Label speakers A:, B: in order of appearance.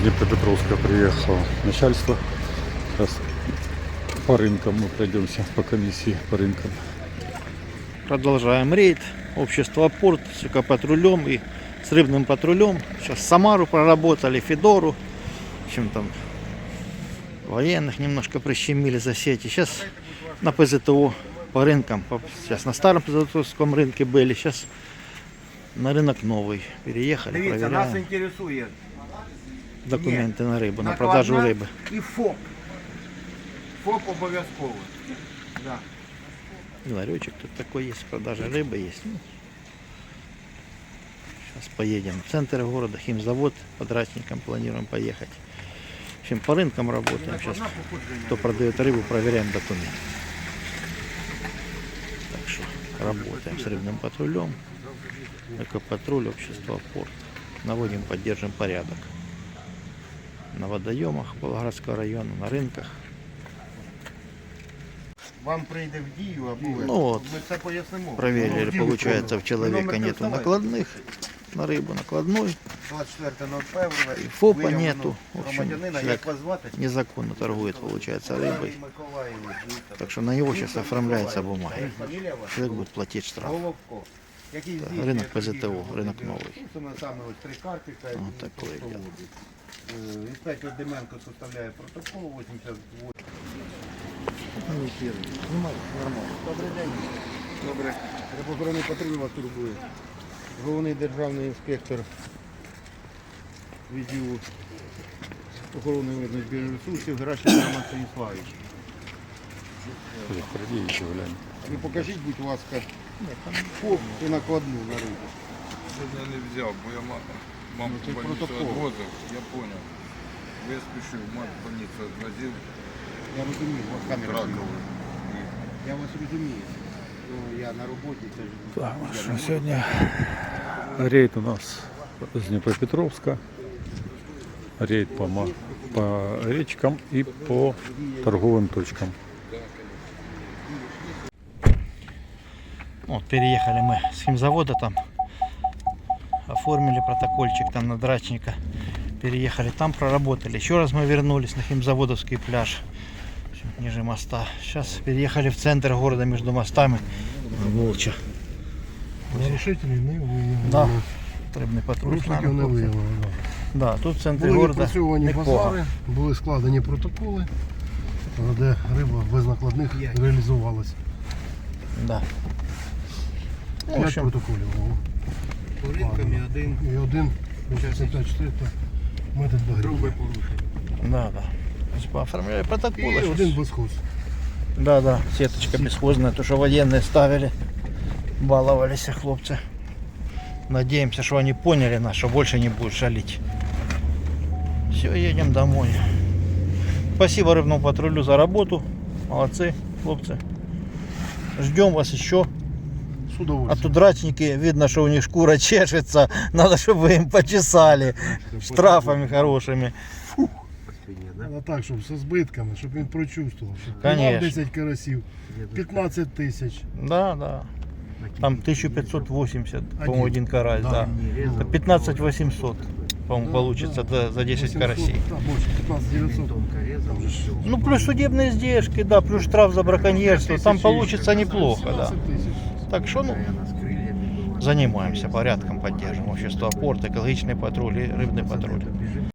A: Днепропетровска приехало начальство. Как раз по рынкам мы пройдемся, по комиссии по рынкам.
B: Продолжаем рейд. Общество Порт с экопатрулем и с рыбным патрулем. Сейчас Самару проработали, Федору. В общем, там военных немножко прищемили за сети. Сейчас на ПЗТО по рынкам. Сейчас на старом ПЗТОвском рынке были. Сейчас на рынок новый. Переехали,
C: Дивіться, нас
B: проверяем
C: інтересує
B: документы на рыбу, на продажу
C: накладна
B: рыбы.
C: і ФОП. ФОП обов'язково. Да.
B: Ларечек тут такой есть, продажа рыбы есть. Сейчас поедем в центр города, химзавод, по дачникам планируем поехать. В общем, по рынкам работаем. Сейчас кто продает рыбу, проверяем документы. Так что работаем с рыбным патрулем. Экопатруль, общество Порт. Наводим, поддержим порядок. На водоемах Волгоградского района, на рынках.
C: Вам прийде в дію, або
B: Ну вот,
C: ми це пояснимо.
B: проверили, получается, в человека
C: Номер
B: нету
C: не
B: накладных. На рыбу накладной.
C: 24.01.
B: И ФОПа нету. В общем,
C: Громадянина, як
B: человек
C: вас звати?
B: незаконно торгует, получается, рыбой.
C: Миколаївич.
B: Так что на него сейчас оформляется бумага.
C: Фамілія ваша?
B: Человек будет платить штраф.
C: Головко. Який
B: Так,
C: здійснює
B: ринок
C: торгівлю
B: ПЗТО,
C: громадянина.
B: ринок новий.
C: Ну, це саме ось три картика. і
B: Вот такое
C: просто
B: дело.
C: водить. Інспектор Деменко составляє протокол 88. Добрий день. Добре. Рибоохоронний патруль вас турбує. Головний державний інспектор відділу охорони митних збірних ресурсів Геращенко Роман Станіславович.
A: Приходи еще глянь.
C: Ви покажіть, будь ласка, ФОП і накладну на рибу.
D: Сегодня не взял, бо я маму
C: це
D: в больницу
C: протокол.
D: отвозил, я понял. Я спешу, мать в больницу отвозил,
C: Я розумію, у вас камера.
D: Раковый.
C: Я вас розумію. Ну, я на роботі, це ж
A: Так, ну, сегодня рейд у нас с Днепропетровска. Рейд по речкам и по торговым точкам.
B: Вот, переехали мы с химзавода там. Оформили протокольчик там на драчника. Переехали, там проработали. Еще раз мы вернулись на химзаводовский пляж. В общем, ниже моста. Сейчас переехали в центр города между мостами. Молча.
E: Нарушителей не виявлено.
B: Да. Рибний патруль.
E: Порушників не виявлено.
B: Да, тут в центрі
E: Були
B: города
E: відпрацьовані
B: непогано.
E: базари, були складені протоколи, де риба без накладних реалізувалася.
B: Да. Ну, в
E: 5
B: общем,
E: протоколів було.
C: по ринкам і один
E: І один 54 метод
C: грубе
E: багрів.
C: порушення.
B: да, да. То есть Пооформляли
E: І
B: протоколы.
E: один безхоз.
B: Да, да, сеточка бесхозная, то, что военные ставили, баловались хлопцы. Надеемся, что они поняли нас, что больше не будут шалить. Все, едем домой. Спасибо рыбному патрулю за работу. Молодцы, хлопцы. Ждем вас еще.
E: З
B: А
E: удовольствием.
B: то драчники, видно, что у них шкура чешется. Надо, чтобы вы им почесали. Штрафами хорошими.
E: Треба так, щоб зі збитками, щоб він прочувствував. Щоб
B: Конечно.
E: піймав 10 карасів, 15 тисяч.
B: Да, да. Там 1580, по-моему, один карась,
E: Да.
B: да. Это 15 800, по-моему,
E: Да,
B: получится
E: да.
B: за 10
E: 800,
B: карасей.
E: Да, більше, 15 900. Там же ж
B: Ну, плюс судебные издержки, да, плюс штраф за браконьерство. Там получится неплохо, да.
E: 17 тисяч.
B: Так что, ну, занимаемся порядком, поддерживаем общество Порт, экологичный патруль и рыбный патруль.